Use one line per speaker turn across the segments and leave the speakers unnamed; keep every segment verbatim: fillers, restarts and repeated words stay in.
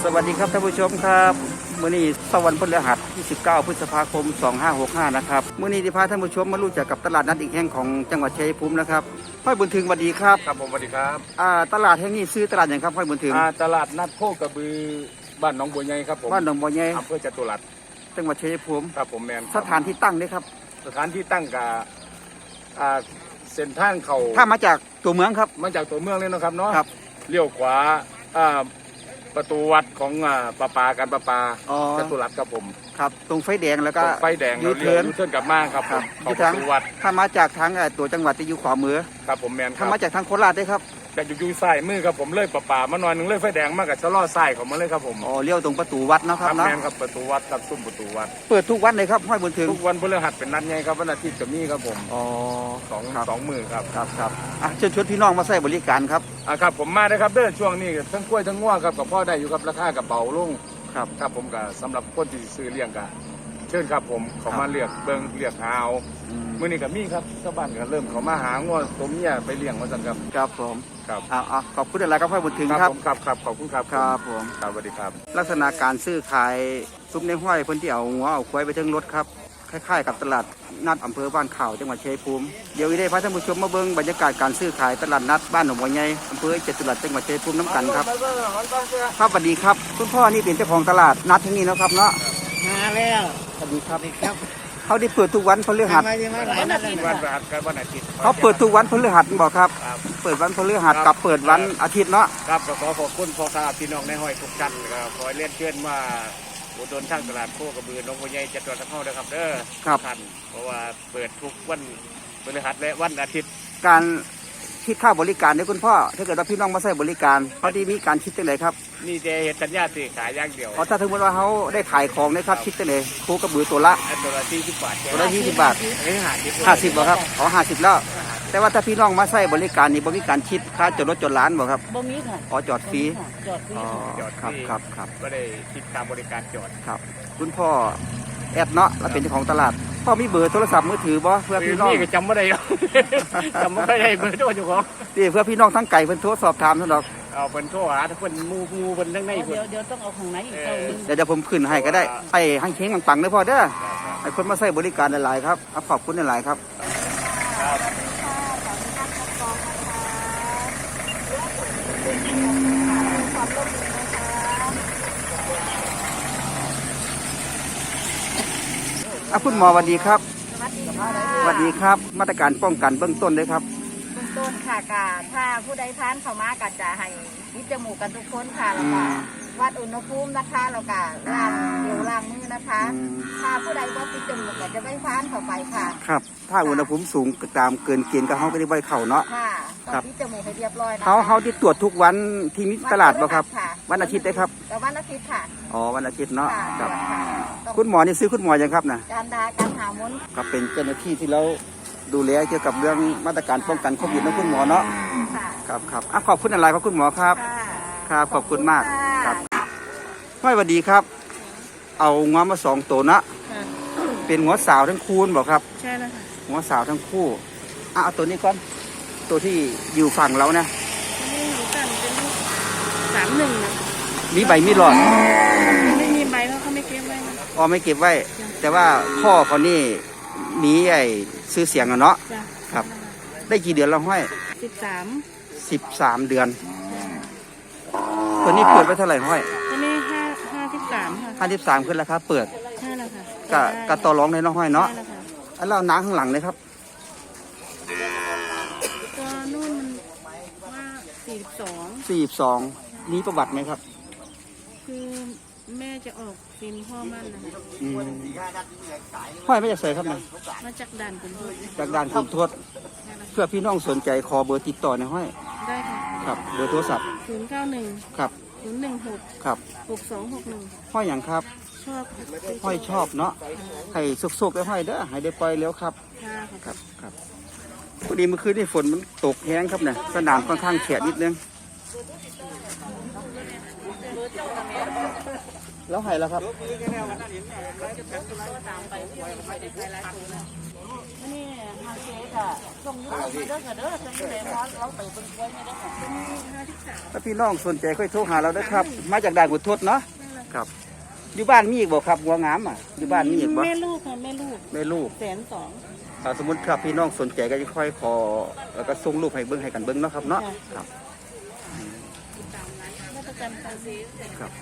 สวัสดีครับท่านผู้ชมครับมื้อนี้สวรรค์พฤหัสที่สิบเก้าพฤษภาคมสองห้าหกห้านะครับมื้อนี้ที่พาท่านผู้ชมมารู้จักกับตลาดนัดอีกแห่งของจังหวัดชัยภูมินะครับห้อยบุญถึงสวัสดีครับ
ครับผมสวัสดีครับ
อ่าตลาดแห่งนี้ซื้อตลาดอย่างครับห้อยบุญถึง
อ่าตลาดนัดโคกระบือบ้านหนองบัวใหญ่ครับผม
บ้านหนองบัวใหญ่
อำเภอจตุรัส
จังหวัดชัยภูมิ
ครับผมแมน
สถานที่ตั้งด้วยครับ
สถานที่ตั้งกับอ่าเส้นทางเขา
ถ้ามาจากตัวเมืองครับ
มาจากตัวเมืองเลยนะครับเนาะ
ครับ
เลี้ยวขวาอ่าประตูวัดของอ่าปลาปาการปลาปาจตุรัสครับผม
ครับตรงไฟแดงแล้วก็
ไฟแดง
ยูเทิร์น
ยูเทิร์นกลับมาครับ
ครับ
ของประตูวัด
ถ้ามาจากทางตัวจังหวัดที่อยู่ขวามือ
ครับผมแมน
ถ้ามาจากทางโคราชได้ครับ
จากอยู่ซ้ายมือครับผมเลยปลาปามาหน่อยหนึ่งเลยไฟแดงมากกับชะลอซ้ายของมันเลยครับผม
อ๋อเลี้ยวตรงประตูวัดนะครับ
แมนครับประตูวัดครับซุ้มประตูวัด
เปิดทุกวันเลยครับห้อยบุญถึง
ทุกวันพฤหัสเป็นนัดไงครับวันอาทิตย์จะมีครับผม
อ๋อ
สองสองมือครับ
ครับครับอ่ะเชิญชวนพี่น้องมาใช้บริการครับ
อ่ะครับผมมาได้ครับเด้อช่วงนี้ทั้งกล้วยทั้งง่วงครับกับพ่อได้อยู่ครับราคากับเบาลง
ครับ
ครับผมกับสำหรับคนที่ซื้อเลี้ยงกันเชิญครับผมเขามาเลือกเบิ้งเลือกหาเอาเมื่อนี้กับมี่ครับชาวบ้านก็เริ่มเขามาหาง่วงตัวเมียไปเลี้ยงมาสั่งครับ
ครับผม
ครับ
อ่าขอบคุณอะไรครับพ่อบุญถึงครับ
ผมครับครับขอบคุณครับ
ครับผม
ครับสวัสดีครับ
ลักษณะการซื้อขายซุปในห้อยคนที่เอาหัวเอาควายไปถึงรถครับคล้ายๆกับตลาดนัดอำเภอบ้านข่าวจังหวัดชัยภูมิเดี๋ยวอีได้พาท่านผู้ชมมาเบิ้งบรรยากาศการซื้อขายตลาดนัดบ้านหนองบัวใหญ่อำเภอจตุรัสจังหวัดชัยภูมิน้ำกันครับครับสวัสดีครับคุณพ่อนี่เป็นเจ้าของตลาดนัดที่นี่นะครับเนาะ
มาแล้ว
สวัสดีครับ
ครับ
เขาได้เปิดทุกวันพฤหัส
วันอาทิตย์วันพฤหัสครับวันอาทิตย์
เขาเปิดทุกวันพฤหัสบอกครับเปิดวันพฤหัสกับเปิดวันอาทิตย์เนาะ
ครับขอขอบคุณพ่อค้าพี่น้องในห้อยทุกท่านครับขอเล่นเชิญมาอุดหนุนทางตลาดโคกระบือหนองบัวใหญ่จังหวัดทั้งห้องนะครับเด้อท่านเพราะว่าเปิดทุกวันพฤหัสและวันอาทิตย์
การคิดค่าบริการเนี่ยคุณพ่อถ้าเกิดว่าพี่น้องมาใช้บริการเขาที่มีการคิดจังไหนครับ
นี่จะเห็นสัญญาซื้อขายอย่างเดียว
อ๋อถ้าถึงว่าเขาได้ขายของนะครับคิดจังไหนโคกระบือตัวละ
ตัวละยี่สิบบาท
ตัวละยี่สิบบาท
ห้าสิบ
ห้าสิบบ่ครับอ๋อห้าสิบแล้วแต่ว่าถ้าพี่น้องมาใช้บริการนี่บ่มีการคิดค่าจอดรถจอดร้านบ่ครับ
บ่มีค่ะ
อ๋อจอดฟรี
จอดฟรี
อ๋อครับครับครับ
ไม่ได้คิดค่าบริการจอด
ครับคุณพ่อแอดเนาะแล้วเป็นเจ้าของตลาดพ่อมีเบอร์โทรศัพท์มือถือบ่เพื่อพี่น้อง
จำไม่ได้จำไม่ได้เบอร์โทรเจ้าของ
นี่เพื่อพี่น้องทั้งไก่เพิ่นโทรสอบถามเท่านั้น
เอาเพิ่นโทรหาเพิ่นมูมูเพิ่นทั้งใน
เดี๋ยวเดี๋ยวต้องเอาของไหนอีก
เดี๋ยวเดี๋ยวผมขึ้นให้ก็ได้ไอ้ให้เค้งปังๆเด้อพ่อเด้อให้คนมาใช้บริการหลายๆครับขอบคุณหลายๆครับอ่ะคุณหมอสวัสดีครับสวัสดีครับมาตรการป้องกันเบื้องต้นเลยครับ
เบื้องต้นค่ะกาถ้าผู้ใดทานเข้ามาก็จะให้ยึดจมูกกันทุกคนค่ะแล้วก็วัดอุณหภูมินะคะแล้วก็ล้างเดี๋ยวล้างมือนะคะถ้าผู้ใดว่าปิดจมูกก็จะไม่ทานเข้าไปค่ะ
ครับถ้าอุณหภูมิสูงตามเกินเกณฑ์ก็เขาก็ได้ใบเข่าเนาะ
ค่ะต้องปิดจมูกให้เรียบร้อยนะ
เขาเขาที่ตรวจทุกวันที่มีตลาดบ่ครับวันอาทิตย์ได้ครับ
แต่วันอาทิตย์ค่ะ
อ๋อวันอาทิตย์เนาะครับคุณหมอนี่ซื้อคุณหมอยังครับนะ
การดาการหามุน
ครับเป็นเจ้าหน้าที่ที่เราดูแลเกี่ยวกับเรื่องมาตรการป้องกันโควิดนะคุณหมอเนาะครับครับขอบคุณอะไรครับคุณหมอครับครับขอบคุณมากครับสวัสดีครับเอางวมาสองตัวนะเป็นหัวสาวทั้งคู่บอกครับ
ใช่แล้วค่ะ
หัวสาวทั้งคู่อ่ะเอาตัวนี้ก่อนตัวที่อยู่ฝั่งเรานะ
นี่หนูสั่งเป็นสามหนึ่งนะ
มีใบมีหลอด
ไม่มีใบเพราะเขาไม่เก็บไว้
อ๋อไม่เก็บไว้แต่ว่าพ่อเขานี่มีไอ้ซื้อเสียงอะเนาะครับได้กี่เดือนแล้วห้อย
สิบสาม
สิบสามเดือนตัวนี้เปิดไว้เท่าไหร่ห้อย
ตัวนี้ห้าห้าสิบสามค่ะ
ห้าสิบสามขึ้นราคาเปิด
ใช่แล้วค่ะ
กะกะต่อรองในน้องห้อยเนาะอันเราน้ำข้างหลังเลยครับ
ตัวนู่นมันว่าสี่สิบสอง
สี่สิบสองมีประวัติไหมครับ
คือแม่จะออกฟิล์มพ่อมั่นนะคะ
ห้อยไม่จะใส่ครับนะ
มาจากด่านคุณทวด
จากด่านคุณทวดเพื่อพี่น้องสนใจขอเบอร์ติดต่อในห้อย
ได้ค่ะ
ครับเบอร์โทรศัพท์
ศูนย์เก้าหนึ่ง
ครับ
ศูนย์หนึ่งหก
ครับ
หกสองหกหนึ่ง
ห้อยอย่างครับ
ชอบ
ห้อยชอบเนาะให้สุกๆได้ห้อยเด้อให้ได้ปล่อยแล้วครับครับครับพอดีเมื่อคืนนี่ฝนมันตกแห้งครับเนี่ยสนามค่อนข้างแฉะนิดนึงแล้วให้แล้วครับ
นี่ทางเจ๊ค่ะส่งยูทูบมาเด้อค่ะเด้อจะอยู่ในมอสเราไปเป็นกล้วยไม่ได้ค่ะเป็นห้าที่สาม
ถ้าพี่น้องสนใจค่อยโทรหาเราได้ครับ มาจากด่านกุดทดเนาะครับอยู่บ้านมีอีกบ่ครับหัวงามอ่ะอยู่บ้านมีอีกบ่
แม่ลูกค่ะแม่ลูก
แม่ลูก
แสนสอง
ถ้าสมมติครับพี่น้องสนใจก็จะค่อยขอแล้วก็ส่งรูปให้เบิ้งให้กันเบิ้งเนาะครับเนาะครับ
มาประจำทางเจ๊
ครับ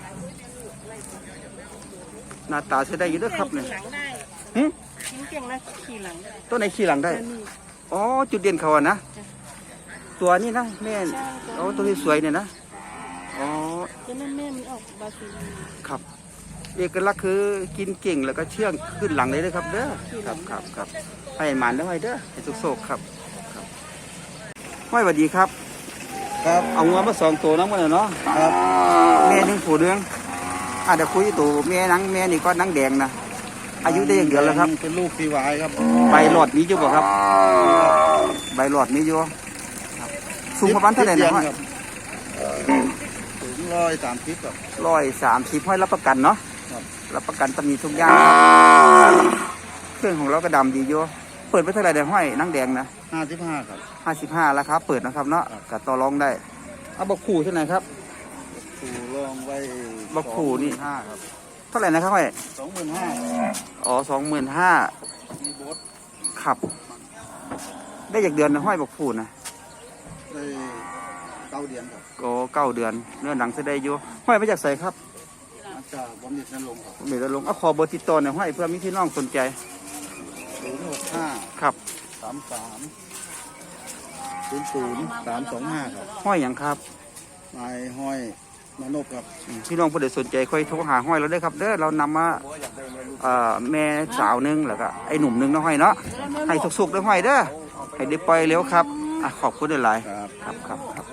หน้าตาใช้ได้อยู่เด้วยครับเนี่ย
หลังได้
หึ
ทิ้งเก่งนะขี่หลังได้
ตัวไหนขี่หลังได้
แต่นี่
อ๋อจุดเด่นเขาอะนะตัวนี้นะแม่เอาตัวที่สวยเนี่ยนะอ๋อ
ตัวนั้นแม่มันออกบาซิลี
ครับ เอกลักษณ์คือกินเก่งแล้วก็เชื่องขึ้นหลังเลยเลยครับเด้อครับครับครับให้หมันแล้วให้เด้อให้สุกโศกครับครับห้อยสวัสดีครับ
ครับ
เอางัวมาสองตัวน้ำมันเนาะ
ครับ
แม่หนึ่งผู้เดืองอ่ะเดี๋ยวคุยตัวแม่นังแม่นี่ก็นังแดงนะอายุได้อย่างเดียวแล้วครับ
เป็นลูกซีวายครับ
ใบหลอดมีอยู่บ่ครับใบหลอดมีอยู่ครับสูงประมาณเท่าไหร่นะห้อย
ครับถึงร้อยสามสิบครับ
ร้อยสามสิบห้อยรับประกันเนาะ
ครับ
รับประกันตำหนิทุกอย่างครับเครื่องของเราก็ดำดีอยู่เปิดไปเท่าไหร่เดี๋ยวห้อยนังแดงนะ
ห้าสิบห้าครับ
ห้าสิบห้าราคาเปิดนะครับเนาะกัต่อรองได้เอาบักขู่เท่าไหร่ครับ
ถูลองไว้
บักขู่นี่
ห้าครับ
เท่าไหร่นะครับห้อย
สองหมื่นห้า
อ๋อสองหมื่นห้า
มีโบส
ขับ ได้จากเดือนนะห้อยบักขู่นะ
ได้เก้าเดือนครับ
ก็เก้าเดือนเนื้อหนังแสดงอยู่ห้อยมาจากใส่ครับ
มาจากบำเหน็จนรงค์ครับ
เดี๋ยวลงเอาขอเบอร์ติดต่อหน่อยห้อยเพื่อมีพี่น้องสนใจ
ศูนย์หกห้า
ครับ
สามสามศูนย์ศูนย์สามสองห้าครับ
ห้อยอย่างครับ
นายห้อยมานพครับ
อืมพี่น้องผู้ใดสนใจค่อยโทรหาห้อยเราได้ครับเด้อเรานำมาเอ่อแม่สาวหนึงแล้วก็ไอ้หนุ่มหนึงเนาะห้อยเนาะให้สุกๆเด้อห้อยเด้อให้ได้ปล่อยเร็วครับอ่ะขอบคุณหลาย
ครับ
ๆครับครับครับ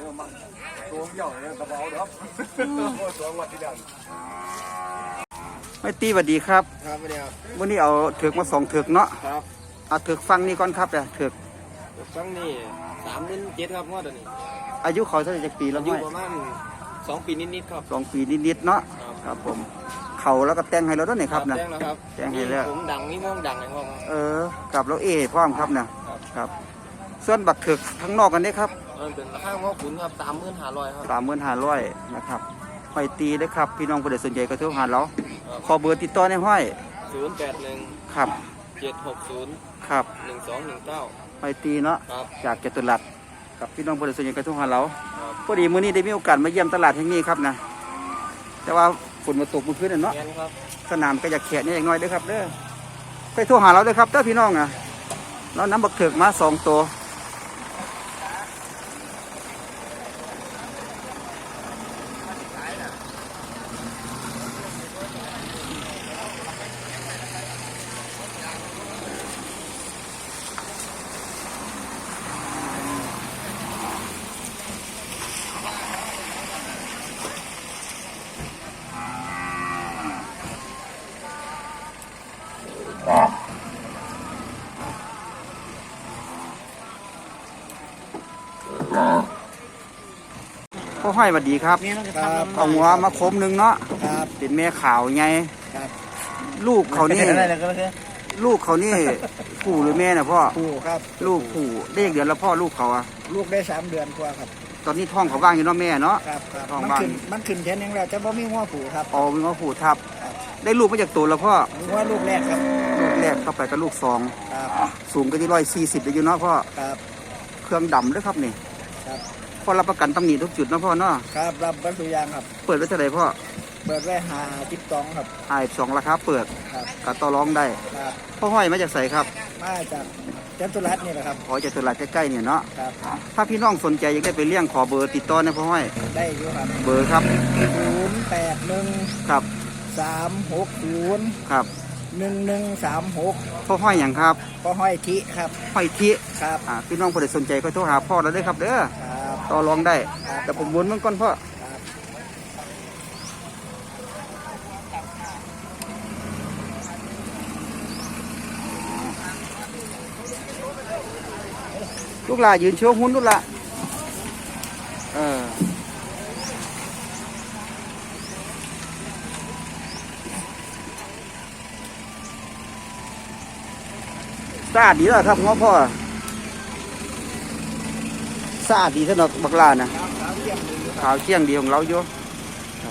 ไม่ตีสวัสดีครับ
ครับเดียว
วันนี้เอาเถือกมาสองเถือกเนาะ
ครับ
เอาเถือกฟังนี่ก่อนครับเด้อเถือก
ครั้งนี้สามเดือนเจ็ดครับงวดนี้
อายุเขาเท่าไหร่จากปีแล้ว
อายุ
ห้อย
ประมาณสองปีนิดๆครับ
สองปีนิดๆเนาะครับผมเขาแล้วก็แต่งให้เราด้วยนี่ครับนะ
แจ้งแล้วครับ
แจ้งให้แล้ว
ผมดังนี่ม่วงดังไงพ่อครับ
เออกับเราเอพร้อมครับนะครับ ครับ ส่วนบักเถือกข้างนอกกันนี่ครับ
มันเป็นราคาพ่อขุนครับสามหมื่นห้าร้อยครับ
สามหมื่นห้าร้อยนะครับห้อยตีได้ครับ พี่น้องผู้ใดสนใจก็โทรหาเราขอเบอร์ติดต่อในห้อย
ศูนย์แปดหนึ่ง
ครับ
เจ็ดหกศูนย์
ครับ
หนึ่งสองหนึ่งเก้า
ห้อยตีเนาะ
ครับ
จากจตุรัสกับพี่น้องผู้ใดสนใจก็โทรหาเรา
ครับ
พอดีมื้อนี้ได้มีโอกาสมาเยี่ยมตลาดแห่งนี้ครับนะแต่ว่าฝนมาตกเมื่อคืนน่ะเนาะ
เงี้ยครับ
สนามก็อยากแขกนี่อย่างน้อยเด้อครับเด้อไปโทรหาเราเด้อครับเด้อพี่น้องอ่ะเรานำบักเถือกมาสองตัวพ่อห้อยสวัสดีครับ
ครับ
เอาหัวมาคมหนึ่งเนาะ
ครับ
เป็นแม่ขาวไง
ครับ
ลูกเขานี่
อะไรนะก็ได้
ลูกเขานี่ผู้หรือแม่น่ะพ่อ
ผู้ครับ
ลูกผู้ได้อีกเดือนแล้วพ่อลูกเขาอะ
ลูกได้สามเดือนกว่าครับ
ตอนนี้ท้องเขาว่างอยู่เนาะแม่เนาะ
ครับครับ
ท้อง
มัน
ว่าง
ขึ้นมันขึ้นแค่นึงแล้วจะบ่มีหัวผูครับ
อ๋อมีว่าผู้ทับ ได้ลูกมาจากตัวแล้วพ่อ
หัวลูกแรกครับ
ลูกแรกเข้าไปกับลูกสอง
ครับ
สูงก็ที่ร้อยสี่สิบอยู่เนาะพ่อ
ครับ
เครื่องดำด้วยครับนี่
ครับ
พ่อรับประกันตำหนิทุกจุดเนาะพ่อเนาะ
ครับรับบรรทุกยางครับ
เปิดไว้เท่าไหร่พ่อ
เปิดไว้หาทิปตองครับ
ไอ้สองราคาเปิด
ครับ
กับต่อรองได้
ครับ
พ่อห้อยมาจากใสครับ
มาจากจันทุรัตน์นี่แหละครับ
ขอจากตลาดใกล้ๆเนี่ยเนาะ
ครับ
ถ้าพี่น้องสนใจอยากได้ไปเลี้ยงขอเบอร์ติดต่อนะพ่อห้อย
ได้อยู่ครับ
เบอร์ครับ
ศูนย์แปดหนึ่ง
ครับ
สามหกศูนย์
ครับ
หนึ่งหนึ่งสามหก
พ่อห้อยอย่างครับ
ก็ห้อยทิครับ
ห้อยทิ
ครับ
อ่าพี่น้องผู้ใดสนใจก็โทรหาพ่อเราได้ครับเด้อ
ครับ
ต่อรองได้
ครับ
แต่ผมวนมันก่อนพ่อ
ครับ
ลูกหลายืนโชว์หุ้นลูกหละเออสะอาดดีแล้วครับง้อพ่อสะอาดดีสำหรับบักลานะขาวเชี่ยงดีของเราอยู่ครับ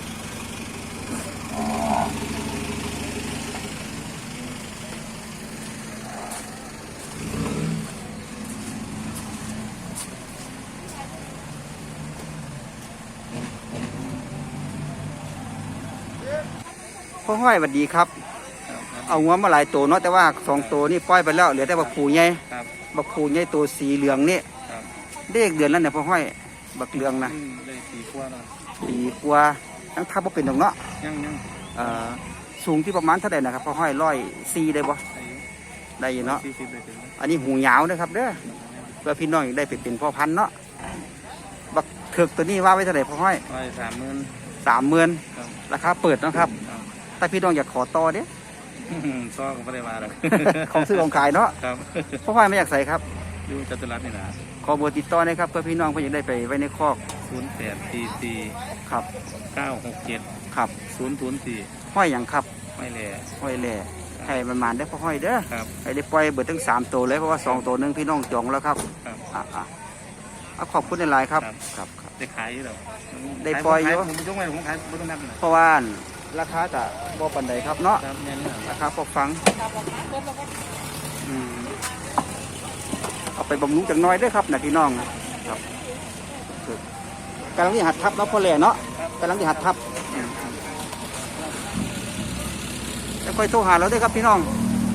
พ่อห้อยสวัสดีครับ เอางัวมาหลายตัวเนาะแต่ว่าสองตัวนี่ปล่อยไปแล้วเหลือแต่บักผูใหญ่
ครับ
บักผูใหญ่ตัวสีเหลืองนี่
ครับ
เด็กเดือนแล้วเนี่ยพ่อห้อยบักเหลืองนะ
เลยสี่ขวดแล้ว
ปีกว่าทั้งทับบ่เป็นดอกเนาะ
ยังยัง
เอ่อสูงที่ประมาณเท่าไหร่นะครับพ่อห้อยร้อยซีได้บ่ได้อยู่เนาะ
สี่สิบเลยถึง
อันนี้หูยาวนะครับเด้อเพื่อพี่น้องได้ไปเป็นพ่อพันธุ์เนาะบักเถือกตัวนี้ว่าไว้เท่าไหร่พ่อห้อย
ร้อยสามหมื่น
สามหมื่น
ครับ
ราคาเปิดเนาะครับ
ครับ
แต่พี่น้องอยากขอต่อเด้
ซ้อก็ไม่ได้มาหรอก
ของซื้อของขายเนาะ
ครับ
พ่อห้อยไม่อยากใส่ครับ
อยู่จตุรัสนี่นะ
ขอเบอร์ติดต่อหนะครับเพื่อพี่น้องเพื่อจะได้ไปไว้ในคอก
ศูนย์แปดสี่สี่
ครับ
เก้าหกเจ็ด
ครับ
ศูนย์ศูนย์สี่
ห้อยอย่างครับ
ไม่แหล่
ห้อยแหล่ให้มันมาได้พ่อห้อยเด้อ
ครับ
ให้ได้ปล่อยเบิดทั้งสามตัวเลยเพราะว่าสองตัวหนึงพี่น้องจองแล้วครับ
ครับ
อ่ะอ่ะเอาขอบคุณในไลน์ครับ
ครับ
ครับครับ
ได้ขายอยู่หรอ
ได้ปล่อยอยู่
ผมยกไว้ผมขายผมต้องนับนะ
เพราะว่าราคาจะบ่ปันใดครับเนาะ
ครับแม่นี่
ราคาพอฟังอืมเอาไปบำรุงจังน้อยเด้วยครับนะพี่น้องครับกำลังที่หัดทับเนาะพ่อแหล่เนาะกำลังที่หัดทับอืมแล้วค่อยโทรหาเราด้วยครับพี่น้อง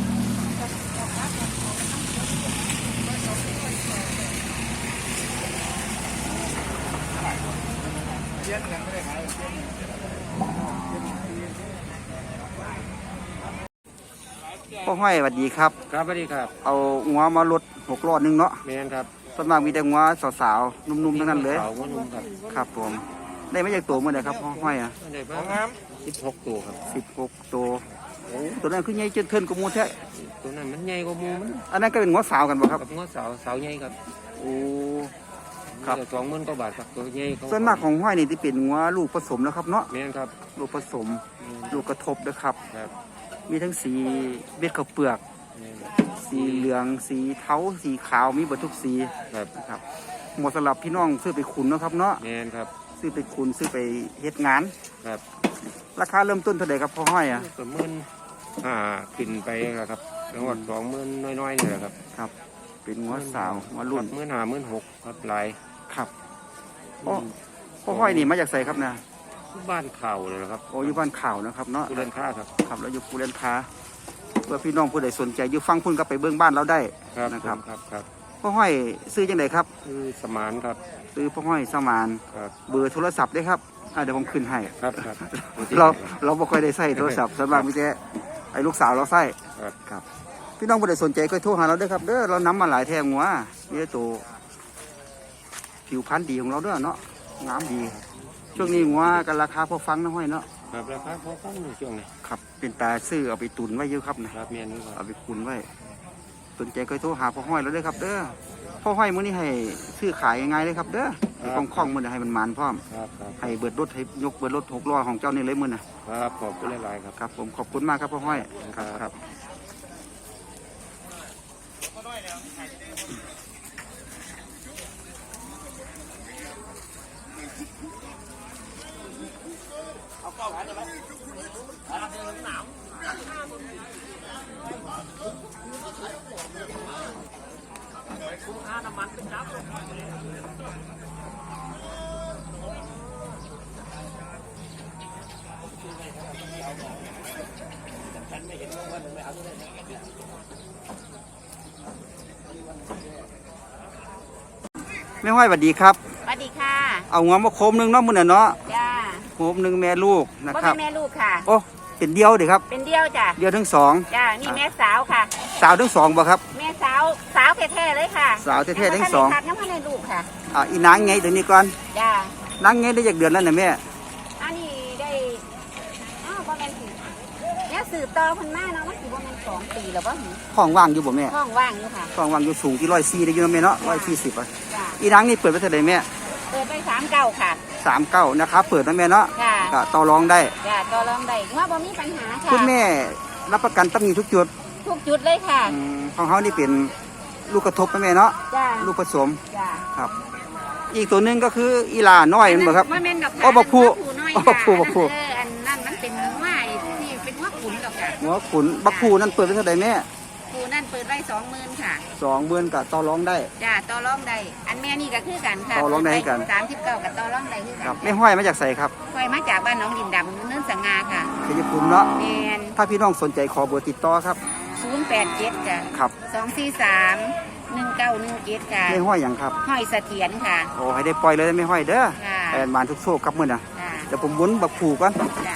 พ่อห้อยสวัสดีครับ
ครับสวัสดีครับ
เอางัวมาลดหกล้อหนึงเนาะ
แมนครับ
ส่วนมากมีแต่งัวสาวๆนุ่มๆทั้งนั้นเลย
ขาวงนุ่มครับ
ครับผม ได้ไม่ใช่ตัวเมื่อไหร่ครับพ่อห้อยอ่ะ
ได้บ้างสิบหกตัวครับ
สิบหกตัวโอ้ตัวนั้นคือใหญ่จนเทินกว่าหมูแท้
ตัวนั้นมันใหญ่กว่าหมูมัน
อันนั้นก็เป็นงัวสาวกันบ่ครับ
กับงอสาวสาวใหญ่ครับ
โอ้ ครับ
สองหมื่นกว่าบาทครับตัวใหญ่เขา
ส่วนมากของห้อยนี่ที่เป็นงัวลูกผสมแล้วครับเนาะ
แมนครับ
ลูกผสม
แม่น
ลูกกระทบนะครับ
ครับ
มีทั้งสีเม็ดข้าวเปลือก
แม่น
สีเหลือง สีเทาสีขาวมีเบดทุกสี
ครับ
นะครับเหมาะสำหรับพี่น้องซื้อไปขุนเนาะครับเนาะ
แมนครับ
ซื้อไปขุนซื้อไปเฮ็ดงาน
ครับ
ราคาเริ่มต้นเท่าไหร่ครับพ่อห้อยอ่ะ
สมมื่นอ่าขึ้นไปแล้วครับแล้วก็สองหมื่นน้อยๆนี่แหละครับ
ครับ เป็นงัวสาวงัวรุ่น
หมื่นห้าหมื่นหกครับหลาย
ครับพ่อพ่อห้อยนี่มาจากใส่ครับนะ
บ้านเข่าเลยนะครับ
โอ้อยู่บ้านข่าวนะครับเนาะ
ผู้เล่นค้าครับ
ครับแล้วอยู่ภูเรนค้าเพื่อพี่น้องผู้ใดสนใจอยู่ฟังพุ่นก็ไปเบื้องบ้านเราได้
ครับ
นะครับ
ครับครับ
พ่อห้อยซื้อจังไดครับ
คือสมานครับ
ซื้อพ่อห้อยสมาน
ครับ
เบอร์โทรศัพท์ได้ครับอ่าเดี๋ยวผมขึ้นให้
ครับครับ
เราเราบ่ค่อยได้ใส่โทรศัพท์ส่วนมากมีแต่ไอ้ลูกสาวเราใส่
ครับ
ครับพี่น้องผู้ใดสนใจก็โทรหาเราเด้อครับเด้อเรานำมาหลายแท่งหัวนี่ตัวผิวพรรณดีของเราเด้อเนาะงามดี ช่วงนี้หัวกันราคาพอฟังนะห้อยเนาะ
ครับราคาพอฟังในช่วงนี้
ครับเป็นตาซื้อเอาไปตุนไว้เยอะครับนะครับ
เมียนนี่ครับ
เอาไปคุนไว้สนใจก็โทรหาพ่อห้อยแล้วเด้อครับ เด้อพ่อห้อยมื้อนี้ให้ซื้อขายง่ายๆเลยครับ เด้อให้คล่องๆมื้อนี้ให้มันมันพร้อม
ครับครับ
ให้เบิดรถให้ยกเบิดรถหกล้อของเจ้านี่เลยมื้อน่ะ
ครับขอบคุณหลายๆครับ
ครับผมขอบคุณมากครับพ่อห้อยครับ
ครับ
ครับแม่ห้อยสวัสดีครับ
สวัสดีค่ะ
เอาหัวมาโคมหนึงเนาะมื้อน่ะเนาะ
จ้า
โคมหนึงแม่ลูกนะ
บ่
ครั
เป็
บ
นแม่ลูกค่ะ
โอ้เป็นเดียวเด้ครับ
เป็นเดียวจ้ะ
เดียวทั้งสอง
จ้านี่แม่สาวค่ะ
สาวทั้งสองบ่ครับ
แม่สาวสาวแท้ๆเลยค่ะ
สาวแท้ๆทั้งสอง
ยังไม่ได้ลูกค่ะ
อ่าอีนางไงตัวนี้ก่อน
จ้าน
างไงได้จากเดือนแล้วน่ะแม่
อันนี้ได้อ้าวบ่แม่นสิเนี่ยสืบต่อเพิ่นมาเนาะมันสิบ่แม่นสองปีแล้วบ่หนิ
ห้องว่างอยู่บ่แม่
ห้องว่างอยู่ค่ะ
ห้องว่างอยู่สูงที่ร้อยสี่ได้อยู่นะแม่เนาะร้อยสี่สิบอ่ะ
จ้า
อีนางนี่เปิดไว้เท่าไหร่แม่
เปิดไปสามเก้าค่ะ
สามเก้านะครับเปิดนะแม่เนาะ
จ้า
ก็ต่อรองได้
จ้าต่อรองได้ว่าบ่มีปัญหาค่ะ
คุณแม่รับประกันตำหนิทุกจุด
ทุกจุดเลยค่ะ
อืมของเขานี่เป็นลูกกระทบนะแม่เนาะ
จ้า
ลูกผสม
จ้า
ครับ อีกตัวหนึงก็คืออีหลาน้อยมันบ่ครับ
ว่าแม่นดอก
อ๋อบักผู้
น้อย
อ๋อบักผู้บักผู้
เอออันนั้นมันเป็นว่าที่เป็นว่าขุนดอกค่ะ
หัวขุนบักผูนั่นเปิดไว้เท่าใดแม่
ผู้นั่นเปิดไว้สองหมื่นค่ะ
สองเบือนกับต่อรองได้
จ้าต่อรองได้อันแม่นี่ก็คือกันค่ะ
ต่อรองได้กัน
สามสิบเก้ากับต่อรองได้คือกั
ครับ
น
ไม่ห้อยมาจากใสครับ
คอยมาจากบ้านหน้องดินดำเนินสังงาค่ะ
ชัยภูมิเนาะ
แมน
ถ้าพี่น้องสนใจขอเบอร์ติดต่อครับ
ศูนย์แปดเจ็ดจ้ะ
ครับ
สองสี่สามหนึ่งเก้าหนึ่งเจ็ดค่ะ
ไม่ห้อยอย่างครับ
ห้อยเสถียรค่ะ
โอ้ให้ได้ปล่อยเลยไม่ห้อยเด้อ
ค่ะ
แอนมานทุกโชคครับมื้อน่ะ
จ้า
เดี๋ยวผมวุ้นบักผูก่อน
จ้า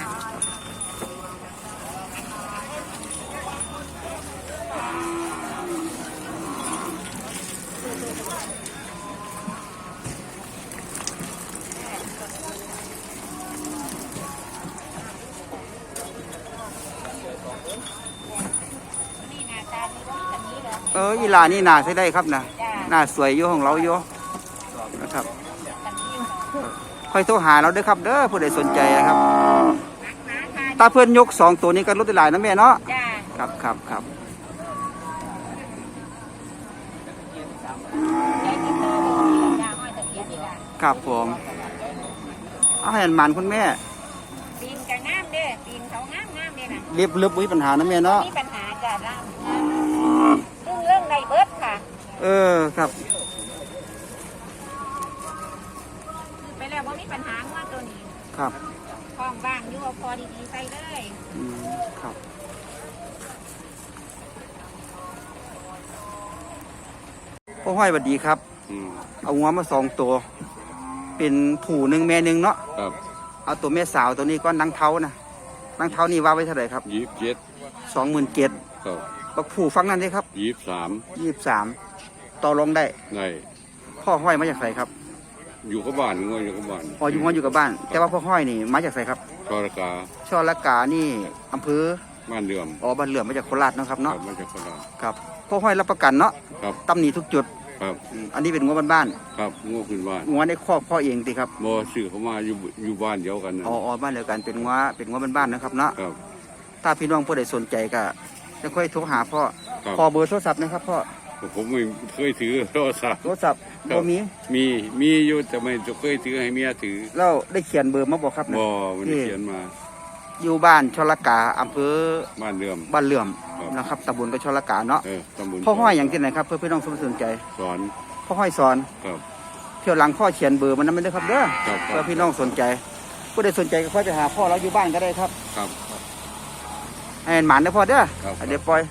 นี่หน้าตาดีกว่าแบบนี้เหรอ
เอออีหลานี่น่าใช้ได้ครับนะ
จ้า
หน้าสวยอยู่ของเราอยู่นะครับ
แบบนี้
ค่อยโทรหาเราเด้อครับเด้อผู้ใดสนใจนะครับ
นักหนาค่ะ
ตาเพื่อนยกสองตัวนี้ก็ลดได้หลายนะแม่เนาะ
จ้า
ครับครับครับ
ใจติดต่อเลยจ้าห้อยตะเกียบดีกว่า
ครับผมเอาให้อันหมันคุณแม่
ปีนกับงามเด้อปีนเขางามงามเด้อนะ
เรียบเรียบมีปัญหานะแม่เนาะ
มีปัญหาจ้ะร่างเรื่องเรื่องในเบิร์ดค่ะ
เออครับ
คือไปแล้วว่ามีปัญหาว่าตัวนี้
ครับ
คล้องบ้างอยู่เอาพอดีๆใส่เลย
อืมครับพ่อห้อยสวัสดีครับ
อืม
เอางัวมาสองตัว เป็นผู้หนึ่งแม่หนึ่งเนาะ
ครับ
เอาตัวแม่สาวตัวนี้ก็นังเท้านะนังเท้านี่ว่าไว้เท่าไหร่ครับ
ยี่สิบเจ็ด
สองหมื่นเจ็ด
ครับ
บักผู้ฟังนั่นได้ครับ
ยี่สิบสาม
ยี่สิบสามต่อรองได้
ใน
พ่อห้อยมาจากไสครับ
อยู่กับบ้านงวยอยู่กับบ้าน
อ๋ออยู่งัวอยู่กับบ้าน แต่ว่าพ่อห้อยนี่มาจากไสครับ
ชอรกา
ช่อละกานี่อำเภอ
บ้านเดือม
อ๋อบ้านเหลื่อมมาจากโคราชเนาะครับ
ครั
เนาะ
บมาจากโคราช
ครับพ่อห้อยรับประกันเนาะ
ครับ
ตำหนิทุกจุด
ครับ
อืมอันนี้เป็นงัวบ้าน
ครับงัวขึ้นบ้าน
ๆงัวในครอบพ่อเองติครับ
บ่ซื้อเขามาอยู่อยู่บ้านเดียวกันนะ
อ๋ออ๋อบ้านเดียวกันเป็นงัวเป็นงัวบ้านๆนะครับเนาะ
ครับ
ถ้าพี่น้องผู้ใดสนใจก็จะค่อยโทรหาพ่อ
ครับ
ขอเบอร์โทรศัพท์นะครับพ่อ
ผมไม่เคยถือโทรศัพท์
โทรศัพท์
ครับ
บ่มี
มีมีอยู่แต่ไม่เคยถือให้เมียถือ
แล้วได้เขียนเบอร์มาบอกครับนะ
บ่มันได้เขียนมา
อยู่บ้านชลกาอำเภอ
บ้านเดือม
บ้านเหลื่อม
ครับ
นะครับตำบลกับชลกาเนาะ
เออตำบล
พ่อห้อยอย่างที่ไหนครับเพื่อพี่น้องสนใจ
สอน
พ่อห้อยสอน
ครับ
เที่ยวหลังพ่อเขียนเบอร์มันนั้นไม่ได้ครับเด้อ
ครับค
เพื่
รั
อบ พี่น้องสนใจ ผู้ใดสนใจก็ค่อยไปหาพ่อเราอยู่บ้านก็ได้ครับ
ครับ
ให้หมันนะพ่อเด้อ
ครับ
เดี๋ยวปล่อย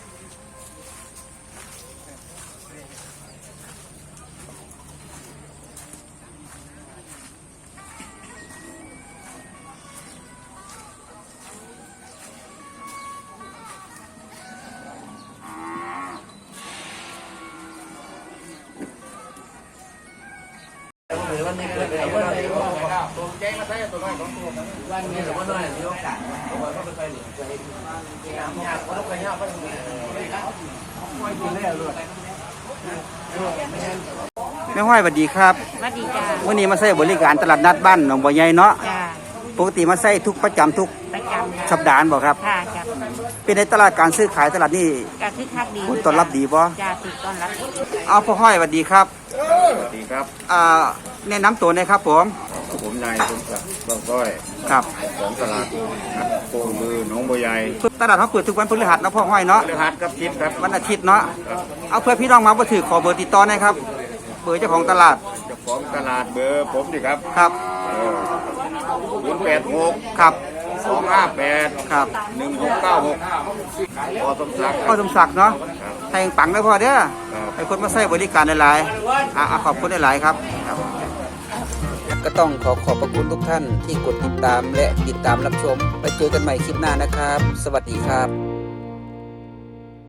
แม่ห้อยสวัสดีครับ
สวัสดีจ้า
วันนี้มาใช้บริการตลาดนัดบ้านหนองบัวใหญ่เนาะ
จ้า
ปกติมาใช้ทุกประจำทุก
ประจำจ้ะ
สัปดาห์บ่ครับ
ค่ะจ้า
เป็นในตลาดการซื้อขายตลาดนี่
ก็คือคักดี
ผลตอบรับดีบ่
จ้าติดต้อนรับดี
เอาพ่อห้อยสวัสดีครับ
สวัสดีครับ
อ่าแนะนำตัวหน่อยครับผม
ผมนายผมกับบ้างก้อย
ครับ
ของตลาดโป่งมือหนองบัวใหญ่
ตลาดเขาเปิดทุกวันพฤหัสนะพ่อห้อยเนาะ
พฤหัสกับทิพย์ครับ
วันอาทิตย์เนาะเอาเพื่อพี่น้องมาบ่ถือขอเบอร์ติดต่อหน่อยครับเบอร์เจ้าของตลาด
เจ้าของตลาดเบอร์ผมดิครับ
ครับ
ศูนย์แปดหก
ครับ
สองห้าแปด
ครับ
หนึ่งหกเก้าหกพอสมศักดิ์ค
พ่อ
รับ
สมศักดิ์เนาะแทงปังได้พ่อเด้อ
ครับ
ให้คนมาใช้บริการหลายๆอ่ะอ่ะขอบคุณหลายๆครับครับ ก็ต้องขอขอบพระคุณทุกท่านที่กดติดตามและติดตามรับชมไปเจอกันใหม่คลิปหน้านะครับ สวัสดีครับ